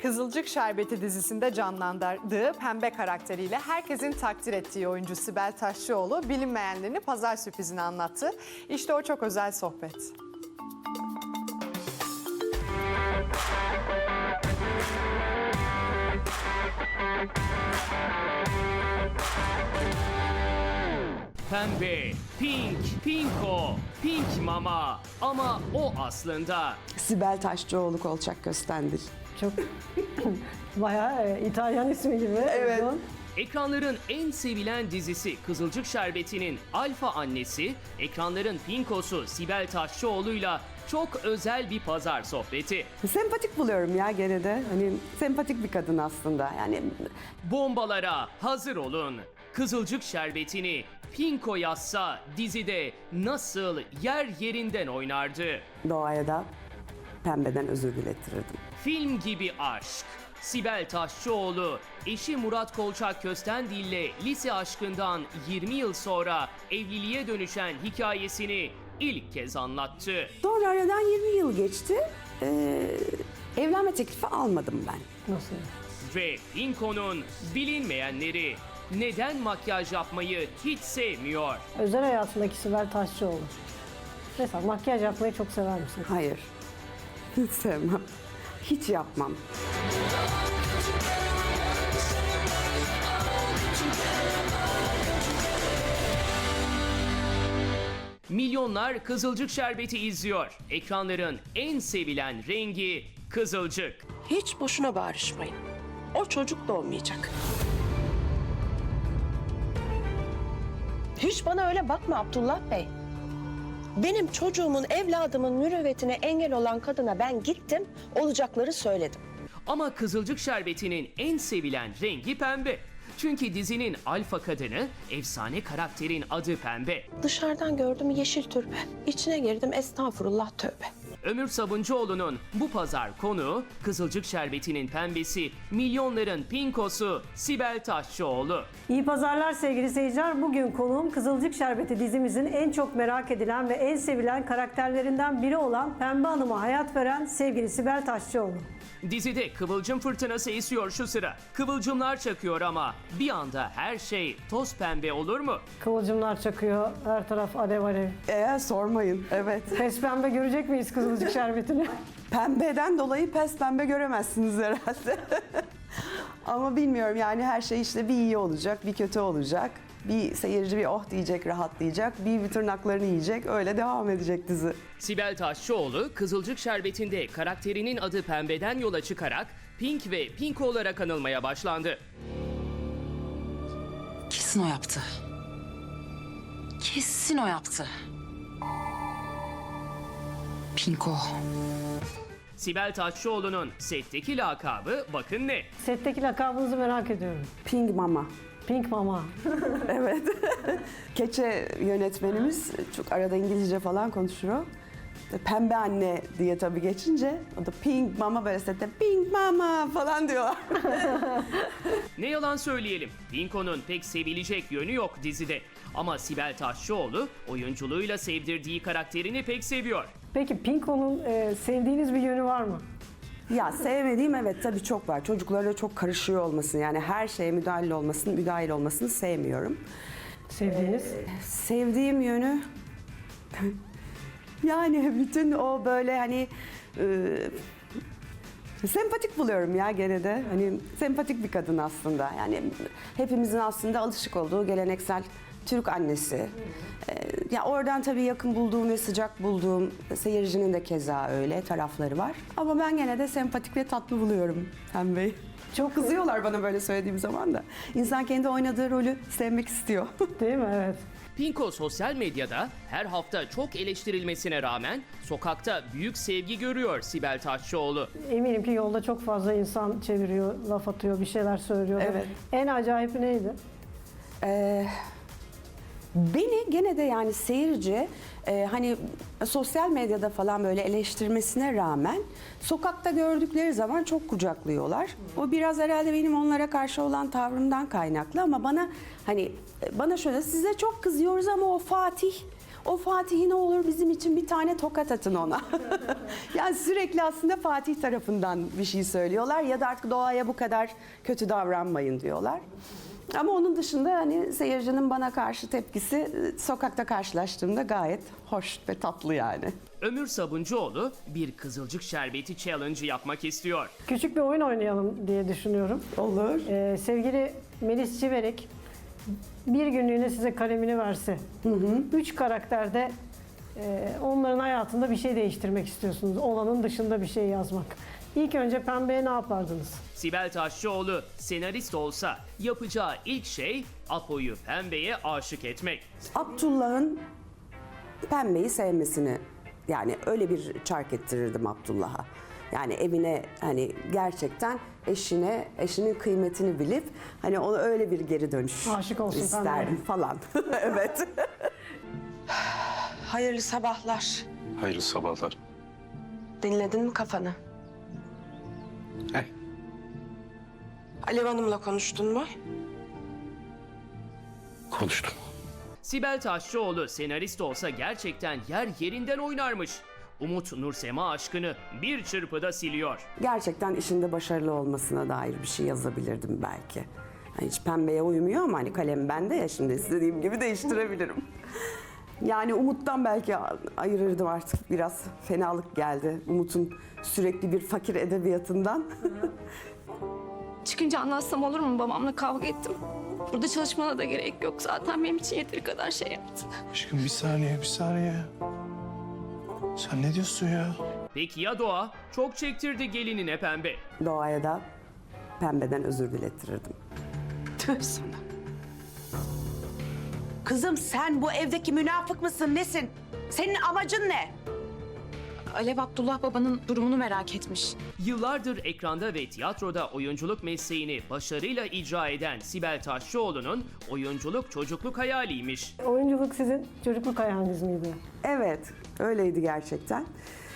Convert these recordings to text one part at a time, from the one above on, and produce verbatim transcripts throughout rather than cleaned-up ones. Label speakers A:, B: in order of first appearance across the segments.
A: Kızılcık Şerbeti dizisinde canlandırdığı Pembe karakteriyle herkesin takdir ettiği oyuncu Sibel Taşçıoğlu bilinmeyenlerini pazar sürprizini anlattı. İşte o çok özel sohbet.
B: Pembe, pink, pinko, pink mama ama o aslında
C: Sibel Taşçıoğlu Kolçak Köstendil.
D: Çok bayağı e, İtalyan ismi gibi.
C: Evet.
D: uygun.
B: ekranların en sevilen dizisi Kızılcık Şerbeti'nin alfa annesi, ekranların pinkosu Sibel Taşçıoğlu'yla çok özel bir pazar sohbeti.
C: Sempatik buluyorum ya gene de. Hani sempatik bir kadın aslında. Yani
B: Bombalara hazır olun. Kızılcık Şerbeti'ni pinko yazsa dizide nasıl yer yerinden oynardı?
C: doğaya da pembeden özür dilettirirdim.
B: Film gibi aşk. Sibel Taşçıoğlu, eşi Murat Kolçak Köstendil'le lise aşkından yirmi yıl sonra evliliğe dönüşen hikayesini ilk kez anlattı.
C: Sonra aradan yirmi yıl geçti. Ee, evlenme teklifi almadım ben.
D: Nasıl?
B: Ve Pinko'nun bilinmeyenleri neden makyaj yapmayı hiç sevmiyor?
D: Özel hayatındaki Sibel Taşçıoğlu. Mesela makyaj yapmayı çok sever misin?
C: Hayır. Hiç sevmem. Hiç yapmam.
B: Milyonlar Kızılcık Şerbeti izliyor. Ekranların en sevilen rengi kızılcık.
E: Hiç boşuna bağırışmayın. O çocuk doğmayacak. Hiç bana öyle bakma Abdullah Bey. Benim çocuğumun, evladımın mürüvvetine engel olan kadına ben gittim, olacakları söyledim.
B: Ama Kızılcık Şerbeti'nin en sevilen rengi pembe. Çünkü dizinin alfa kadını, efsane karakterin adı Pembe.
E: Dışarıdan gördüm yeşil türbe. İçine girdim estağfurullah tövbe.
B: Ömür Sabuncuoğlu'nun bu pazar konuğu Kızılcık Şerbeti'nin pembesi, milyonların pinkosu Sibel Taşçıoğlu.
D: İyi pazarlar sevgili seyirciler. Bugün konuğum Kızılcık Şerbeti dizimizin en çok merak edilen ve en sevilen karakterlerinden biri olan Pembe Hanım'a hayat veren sevgili Sibel Taşçıoğlu.
B: Dizide kıvılcım fırtınası esiyor şu sıra. Kıvılcımlar çakıyor ama bir anda her şey toz pembe olur mu?
D: Kıvılcımlar çakıyor, her taraf alev alev.
C: Eğer sormayın. Evet.
D: Pes pembe görecek miyiz Kızılcık Şerbeti'ni?
C: Pembeden dolayı pes pembe göremezsiniz herhalde. Ama bilmiyorum yani her şey işte bir iyi olacak, bir kötü olacak. Bir seyirci bir oh diyecek, rahatlayacak. Bir, bir tırnaklarını yiyecek. Öyle devam edecek dizi.
B: Sibel Taşçıoğlu, Kızılcık Şerbeti'nde karakterinin adı Pembe'den yola çıkarak Pink ve Pinko olarak anılmaya başlandı.
F: Kesin o yaptı. Kesin o yaptı. Pinko.
B: Sibel Taşçıoğlu'nun setteki lakabı bakın ne?
D: Setteki lakabınızı merak ediyorum.
C: Pink Mama.
D: Pink Mama.
C: Evet. Keçe yönetmenimiz çok arada İngilizce falan konuşuyor. İşte Pembe anne diye tabii geçince o da Pink Mama böyle sette Pink Mama falan diyorlar.
B: Ne yalan söyleyelim, Pinko'nun pek sevilecek yönü yok dizide. Ama Sibel Taşçıoğlu oyunculuğuyla sevdirdiği karakterini pek seviyor.
D: Peki Pinko'nun e, sevdiğiniz bir yönü var mı?
C: Ya sevmediğim evet tabii çok var. Çocuklarla çok karışıyor olmasını yani her şeye müdahil olmasını, müdahil olmasını sevmiyorum.
D: Sevdiğiniz?
C: Sevdiğim yönü yani bütün o böyle hani e, sempatik buluyorum ya gene de. Hani sempatik bir kadın aslında. Yani hepimizin aslında alışık olduğu geleneksel Türk annesi. Ee, ya oradan tabii yakın bulduğum ve sıcak bulduğum seyircinin de keza öyle tarafları var. Ama ben gene de sempatik ve tatlı buluyorum Pembe'yi. Çok kızıyorlar bana böyle söylediğim zaman da. İnsan kendi oynadığı rolü sevmek istiyor.
D: Değil mi? Evet.
B: Pinko sosyal medyada her hafta çok eleştirilmesine rağmen sokakta büyük sevgi görüyor Sibel Taşçıoğlu.
D: Eminim ki yolda çok fazla insan çeviriyor, laf atıyor, bir şeyler söylüyor.
C: Evet.
D: En acayip neydi?
C: Ee, beni gene de yani seyirci e, hani sosyal medyada falan böyle eleştirmesine rağmen sokakta gördükleri zaman çok kucaklıyorlar. O biraz herhalde benim onlara karşı olan tavrımdan kaynaklı ama bana hani bana şöyle size çok kızıyoruz ama o Fatih O Fatih'i ne olur bizim için bir tane tokat atın ona. Yani sürekli aslında Fatih tarafından bir şey söylüyorlar ya da artık doğaya bu kadar kötü davranmayın diyorlar. Ama onun dışında hani seyircinin bana karşı tepkisi e, sokakta karşılaştığımda gayet hoş ve tatlı yani.
B: Ömür Sabuncuoğlu bir Kızılcık Şerbeti challenge yapmak istiyor.
D: Küçük bir oyun oynayalım diye düşünüyorum.
C: Olur.
D: Ee, sevgili Melis Civerek bir günlüğüne size kalemini verse, üç karakterde e, onların hayatında bir şey değiştirmek istiyorsunuz. Olanın dışında bir şey yazmak. İlk önce Pembe'ye ne yapardınız?
B: Sibel Taşçıoğlu senarist olsa yapacağı ilk şey Apo'yu Pembe'ye aşık etmek.
C: Abdullah'ın Pembe'yi sevmesini, yani öyle bir çark ettirirdim Abdullah'a. Yani evine hani gerçekten eşine, eşinin kıymetini bilip hani ona öyle bir geri dönüş
D: Aşık olsun
C: isterdim
D: Pembe'ye.
C: falan. Evet.
E: Hayırlı sabahlar.
G: Hayırlı sabahlar.
E: Dinledin mi kafanı?
G: Hey.
E: Alev Hanım'la konuştun mu?
G: Konuştum.
B: Sibel Taşçıoğlu senarist olsa gerçekten yer yerinden oynarmış. Umut Nursema aşkını bir çırpıda siliyor.
C: Gerçekten işinde başarılı olmasına dair bir şey yazabilirdim belki. Hani hiç Pembe'ye uymuyor ama hani kalem bende ya, şimdi istediğim gibi değiştirebilirim. Yani Umut'tan belki ayırırdım artık, biraz fenalık geldi. Umut'un sürekli bir fakir edebiyatından.
H: Çıkınca anlatsam olur mu? Babamla kavga ettim. Burada çalışmana da gerek yok. Zaten benim için yeteri kadar şey yaptı.
G: Aşkım bir saniye, bir saniye. Sen ne diyorsun ya?
B: Peki ya Doğa? Çok çektirdi gelinine Pembe.
C: Doğaya da Pembe'den özür dilettirirdim.
F: Tüh sana.
I: Kızım sen bu evdeki münafık mısın, nesin? Senin amacın ne?
F: Alev Abdullah babanın durumunu merak etmiş.
B: Yıllardır ekranda ve tiyatroda oyunculuk mesleğini başarıyla icra eden Sibel Taşçıoğlu'nun oyunculuk çocukluk hayaliymiş.
D: Oyunculuk sizin çocukluk hayaliniz miydi?
C: Evet, öyleydi gerçekten.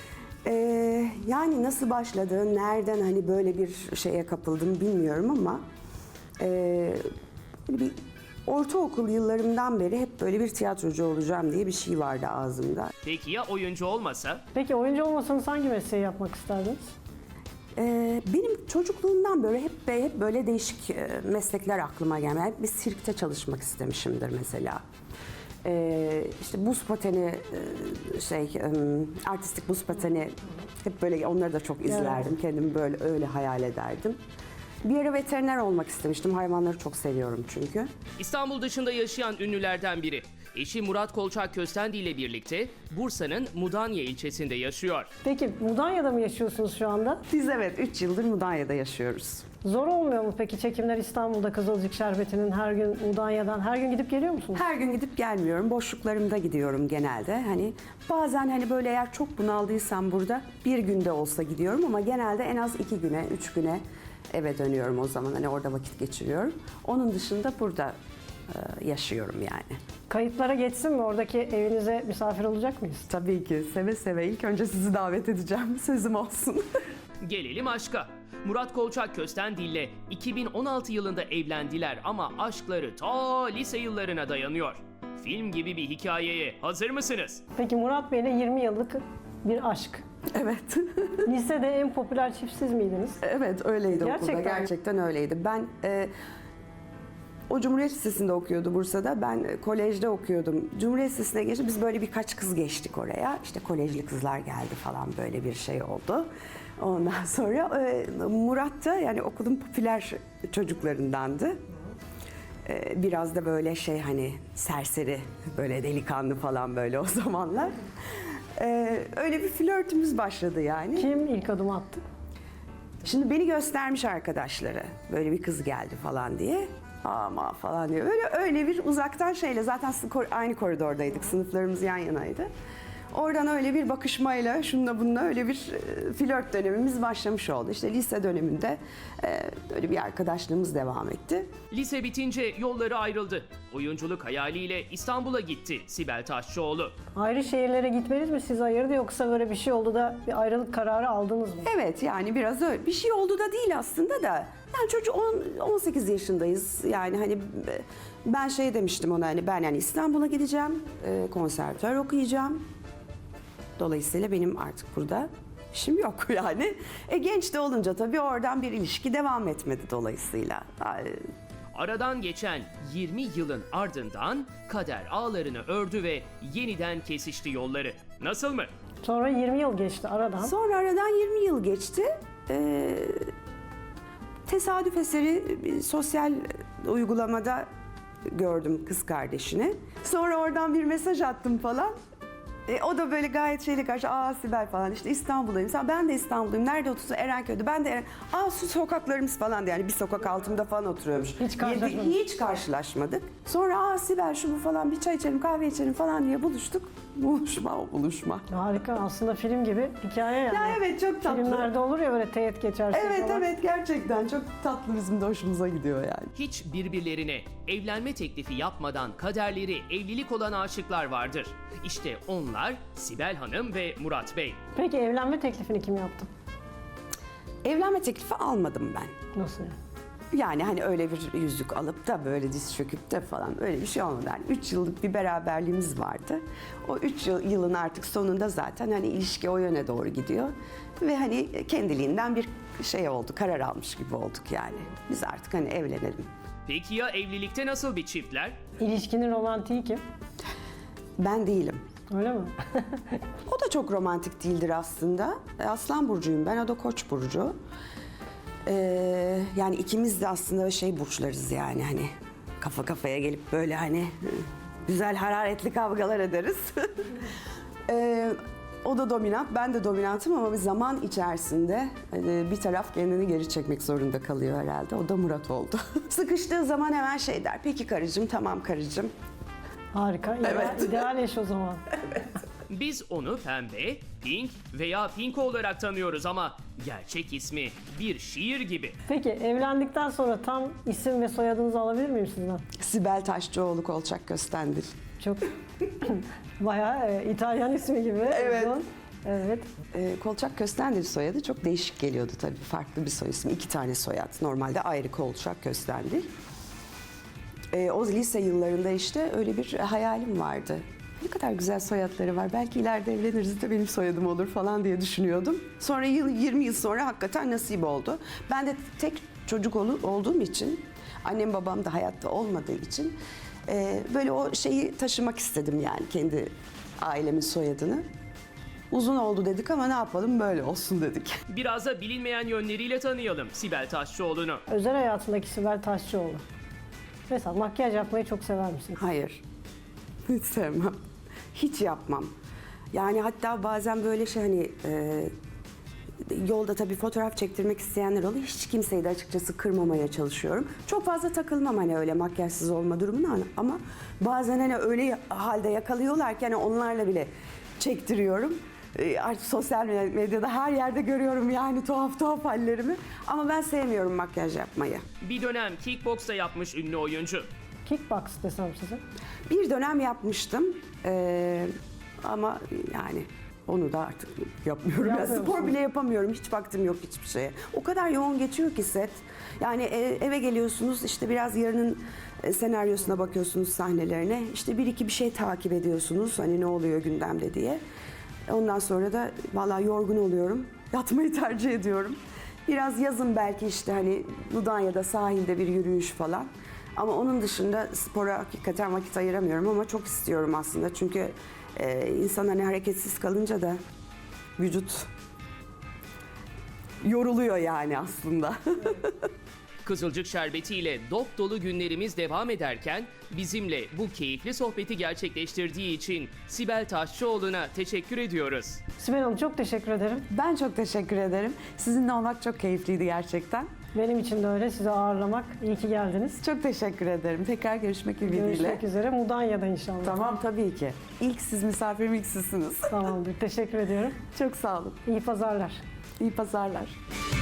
C: Ee, yani nasıl başladı, nereden hani böyle bir şeye kapıldım bilmiyorum ama... ee, böyle bir ortaokul yıllarımdan beri hep böyle bir tiyatrocu olacağım diye bir şey vardı ağzımda.
B: Peki ya oyuncu olmasa?
D: Peki oyuncu olmasanız hangi mesleği yapmak isterdiniz?
C: Ee, benim çocukluğumdan böyle hep hep böyle değişik e, meslekler aklıma geldi. Hep bir sirkte çalışmak istemişimdir mesela. Ee, işte buz pateni, e, şey, e, artistik buz pateni, hep böyle onları da çok izlerdim. Kendimi böyle öyle hayal ederdim. Bir ara veteriner olmak istemiştim. Hayvanları çok seviyorum çünkü.
B: İstanbul dışında yaşayan ünlülerden biri. Eşi Murat Kolçak Köstendi ile birlikte Bursa'nın Mudanya ilçesinde yaşıyor.
D: Peki Mudanya'da mı yaşıyorsunuz şu anda?
C: Biz evet üç yıldır Mudanya'da yaşıyoruz.
D: Zor olmuyor mu peki çekimler İstanbul'da Kızılcık Şerbeti'nin her gün Mudanya'dan her gün gidip geliyor musunuz?
C: Her gün gidip gelmiyorum. Boşluklarımda gidiyorum genelde. Hani bazen hani böyle eğer çok bunaldıysam burada bir günde olsa gidiyorum ama genelde en az iki güne, üç güne eve dönüyorum o zaman. Hani orada vakit geçiriyorum. Onun dışında burada e, yaşıyorum yani.
D: Kayıtlara geçsin mi? Oradaki evinize misafir olacak mıyız?
C: Tabii ki seve seve ilk önce sizi davet edeceğim. Sözüm olsun.
B: Gelelim aşka. Murat Kolçak Köstendi ile iki bin on altı yılında evlendiler ama aşkları ta lise yıllarına dayanıyor. Film gibi bir hikayeye hazır mısınız?
D: Peki Murat Bey'le yirmi yıllık bir aşk.
C: Evet.
D: Lisede en popüler çift siz miydiniz?
C: Evet öyleydi
D: Gerçekten
C: okulda.
D: mi?
C: Gerçekten öyleydi. Ben e, o Cumhuriyet Lisesi'nde okuyordu Bursa'da. Ben e, kolejde okuyordum. Cumhuriyet Lisesi'ne geçti. Biz böyle birkaç kız geçtik oraya. İşte kolejli kızlar geldi falan, böyle bir şey oldu. Ondan sonra e, Murat da yani okulun popüler çocuklarındandı. E, biraz da böyle şey hani serseri, böyle delikanlı falan böyle o zamanlar. E, öyle bir flörtümüz başladı yani.
D: Kim ilk adım attı?
C: Şimdi beni göstermiş arkadaşları. Böyle bir kız geldi falan diye. Ama falan diyor. Öyle öyle bir uzaktan şeyle, zaten sı- kor- aynı koridordaydık. Sınıflarımız yan yanaydı. Oradan öyle bir bakışmayla şununla bununla öyle bir e, flört dönemimiz başlamış oldu. İşte lise döneminde e, böyle bir arkadaşlığımız devam etti.
B: Lise bitince yolları ayrıldı. Oyunculuk hayaliyle İstanbul'a gitti Sibel Taşçıoğlu.
D: Ayrı şehirlere gitmeniz mi sizi ayırdı yoksa böyle bir şey oldu da bir ayrılık kararı aldınız mı?
C: Evet yani biraz öyle. Bir şey oldu da değil aslında da. Yani çocuk on, on sekiz yaşındayız. Yani hani e, ben şey demiştim ona hani ben yani İstanbul'a gideceğim. E, konservatuvar okuyacağım. Dolayısıyla benim artık burada işim yok yani. E, genç de olunca tabii oradan bir ilişki devam etmedi dolayısıyla. Ay,
B: Aradan geçen yirmi yılın ardından kader ağlarını ördü ve yeniden kesişti yolları. Nasıl mı?
D: Sonra yirmi yıl geçti aradan.
C: Sonra aradan yirmi yıl geçti. Ee, tesadüf eseri bir sosyal uygulamada gördüm kız kardeşini. Sonra oradan bir mesaj attım falan. E, o da böyle gayet şeyle karşı, aa Sibel falan işte İstanbul'dayım. Sen, ben de İstanbul'dayım. Nerede oturuyorsun? Erenköy'de. Ben de Eren... Aa su sokaklarımız falan diye. Yani bir sokak altımda falan oturuyormuş.
D: Hiç karşılaşmadık.
C: Yedi- Hiç karşılaşmadık. Sonra aa Sibel şu bu falan bir çay içelim kahve içelim falan diye buluştuk. Buluşma o buluşma.
D: Harika, aslında film gibi hikaye yani.
C: Ya evet çok tatlı.
D: Filmlerde olur ya böyle teğet geçersin
C: Evet
D: falan.
C: evet gerçekten çok tatlı, bizim de hoşumuza gidiyor yani.
B: Hiç birbirlerine evlenme teklifi yapmadan kaderleri evlilik olan aşıklar vardır. İşte onlar Sibel Hanım ve Murat Bey.
D: Peki evlenme teklifini kim yaptı?
C: Evlenme teklifi almadım ben.
D: Nasıl yani?
C: Yani hani öyle bir yüzük alıp da böyle diz çöküp de falan öyle bir şey olmadı. Yani üç yıllık bir beraberliğimiz vardı. O üç yıl, yılın artık sonunda zaten hani ilişki o yöne doğru gidiyor. Ve hani kendiliğinden bir şey oldu, karar almış gibi olduk yani. Biz artık hani evlenelim.
B: Peki ya evlilikte nasıl bir çiftler?
D: İlişkinin romantiği kim?
C: Ben değilim.
D: Öyle mi?
C: O da çok romantik değildir aslında. Aslan burcuyum ben, o da Koç burcu. Ee, yani ikimiz de aslında şey burçlarız yani hani kafa kafaya gelip böyle hani güzel hararetli kavgalar ederiz. ee, o da dominant, ben de dominantım ama bir zaman içerisinde hani bir taraf kendini geri çekmek zorunda kalıyor herhalde. O da Murat oldu. Sıkıştığı zaman hemen şey der, peki karıcığım, tamam karıcığım.
D: Harika. İdeal,
C: Evet.
D: ideal eş o zaman.
B: Biz onu Pembe, Pink veya Pinko olarak tanıyoruz ama gerçek ismi bir şiir gibi.
D: Peki evlendikten sonra tam isim ve soyadınızı alabilir miyim sizden?
C: Sibel Taşçıoğlu Kolçak Köstendil.
D: Çok bayağı e, İtalyan ismi gibi.
C: Evet.
D: uzun. Evet.
C: Ee, Kolçak Köstendil soyadı çok değişik geliyordu tabii. Farklı bir soy ismi. İki tane soyad. Normalde ayrı Kolçak Köstendil. Ee, o lise yıllarında işte öyle bir hayalim vardı. Ne kadar güzel soyadları var. Belki ileride evleniriz de benim soyadım olur falan diye düşünüyordum. Sonra yıl, yirmi yıl sonra hakikaten nasip oldu. Ben de tek çocuk ol, olduğum için, annem babam da hayatta olmadığı için e, böyle o şeyi taşımak istedim yani kendi ailemin soyadını. Uzun oldu dedik ama ne yapalım böyle olsun dedik.
B: Biraz da bilinmeyen yönleriyle tanıyalım Sibel Taşçıoğlu'nu.
D: Özel hayatındaki Sibel Taşçıoğlu. Mesela makyaj yapmayı çok sever misiniz?
C: Hayır. Hiç sevmem. Hiç yapmam. Yani hatta bazen böyle şey hani e, yolda tabii fotoğraf çektirmek isteyenler oluyor. Hiç kimseyi de açıkçası kırmamaya çalışıyorum. Çok fazla takılmam hani öyle makyajsız olma durumuna ama bazen hani öyle halde yakalıyorlar ki hani onlarla bile çektiriyorum. E, artık sosyal medyada her yerde görüyorum yani tuhaf tuhaf hallerimi. Ama ben sevmiyorum makyaj yapmayı.
B: Bir dönem kickboks da yapmış ünlü oyuncu.
D: Kickbox desem size.
C: Bir dönem yapmıştım Ee, ama yani onu da artık yapmıyorum. Ya,
D: Yapmıyor
C: spor
D: musunuz?
C: bile yapamıyorum. Hiç vaktim yok hiçbir şeye. O kadar yoğun geçiyor ki set. Yani e- eve geliyorsunuz işte biraz yarının e, senaryosuna bakıyorsunuz, sahnelerine. İşte bir iki bir şey takip ediyorsunuz. Hani ne oluyor gündemde diye. Ondan sonra da vallahi yorgun oluyorum. Yatmayı tercih ediyorum. Biraz yazın belki işte hani Mudanya'da sahilde bir yürüyüş falan. Ama onun dışında spora hakikaten vakit ayıramıyorum ama çok istiyorum aslında. Çünkü e, insan hani hareketsiz kalınca da vücut yoruluyor yani aslında.
B: Kızılcık Şerbeti ile dop dolu günlerimiz devam ederken bizimle bu keyifli sohbeti gerçekleştirdiği için Sibel Taşçıoğlu'na teşekkür ediyoruz.
D: Sibel Hanım çok teşekkür ederim.
C: Ben çok teşekkür ederim. Sizinle olmak çok keyifliydi gerçekten.
D: Benim için de öyle. Sizi ağırlamak. İyi ki geldiniz.
C: Çok teşekkür ederim. Tekrar görüşmek ümidiyle.
D: Görüşmek üzere. Mudanya'da inşallah.
C: Tamam, tabii ki. İlk siz misafirim, ilk sizsiniz.
D: Tamamdır. Teşekkür ediyorum.
C: Çok sağ olun.
D: İyi pazarlar.
C: İyi pazarlar.